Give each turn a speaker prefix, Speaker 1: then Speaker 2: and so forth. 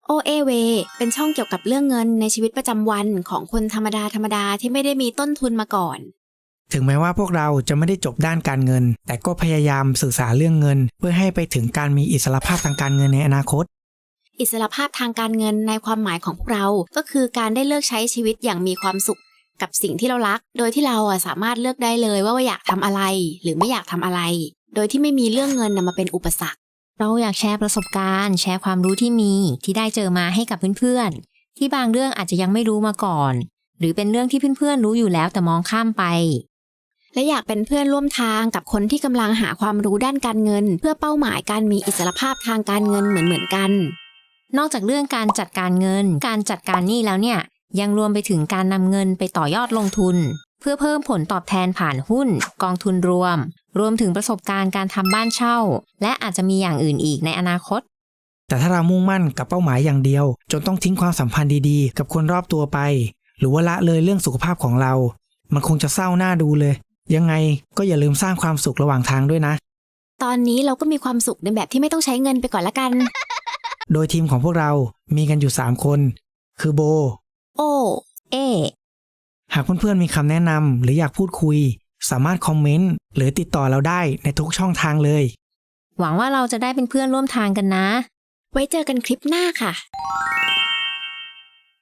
Speaker 1: OAWay เป็นช่องเกี่ยวกับเรื่องเงินในชีวิตประจำวันของคนธรรมดาที่ไม่ได้มีต้นทุนมาก่อน
Speaker 2: ถึงแม้ว่าพวกเราจะไม่ได้จบด้านการเงินแต่ก็พยายามศึกษาเรื่องเงินเพื่อให้ไปถึงการมีอิสรภาพทางการเงินในอนาคต
Speaker 1: อิสรภาพทางการเงินในความหมายของพวกเราก็คือการได้เลือกใช้ชีวิตอย่างมีความสุขกับสิ่งที่เรารักโดยที่เราสามารถเลือกได้เลยว่าอยากทำอะไรหรือไม่อยากทำอะไรโดยที่ไม่มีเรื่องเงินมาเป็นอุปสรรค
Speaker 3: เราอยากแชร์ประสบการณ์แชร์ความรู้ที่มีที่ได้เจอมาให้กับเพื่อนๆที่บางเรื่องอาจจะยังไม่รู้มาก่อนหรือเป็นเรื่องที่เพื่อนๆรู้อยู่แล้วแต่มองข้ามไป
Speaker 1: และอยากเป็นเพื่อนร่วมทางกับคนที่กำลังหาความรู้ด้านการเงินเพื่อเป้าหมายการมีอิสรภาพทางการเงินเหมือนกัน
Speaker 3: นอกจากเรื่องการจัดการเงินการจัดการหนี้แล้วเนี่ยยังรวมไปถึงการนำเงินไปต่อยอดลงทุนเพื่อเพิ่มผลตอบแทนผ่านหุ้นกองทุนรวมถึงประสบการณ์การทำบ้านเช่าและอาจจะมีอย่างอื่นอีกในอนาคต
Speaker 2: แต่ถ้าเรามุ่งมั่นกับเป้าหมายอย่างเดียวจนต้องทิ้งความสัมพันธ์ดีๆกับคนรอบตัวไปหรือว่าละเลยเรื่องสุขภาพของเรามันคงจะเศร้าหน้าดูเลยยังไงก็อย่าลืมสร้างความสุขระหว่างทางด้วยนะ
Speaker 1: ตอนนี้เราก็มีความสุขในแบบที่ไม่ต้องใช้เงินไปก่อนละกัน
Speaker 2: โดยทีมของพวกเรามีกันอยู่3คนคือโบ
Speaker 1: โอ
Speaker 3: เอ
Speaker 2: หากเพื่อนๆมีคำแนะนำหรืออยากพูดคุยสามารถคอมเมนต์หรือติดต่อเราได้ในทุกช่องทางเลย
Speaker 3: หวังว่าเราจะได้เป็นเพื่อนร่วมทางกันนะ
Speaker 1: ไว้เจอกันคลิปหน้าค่ะ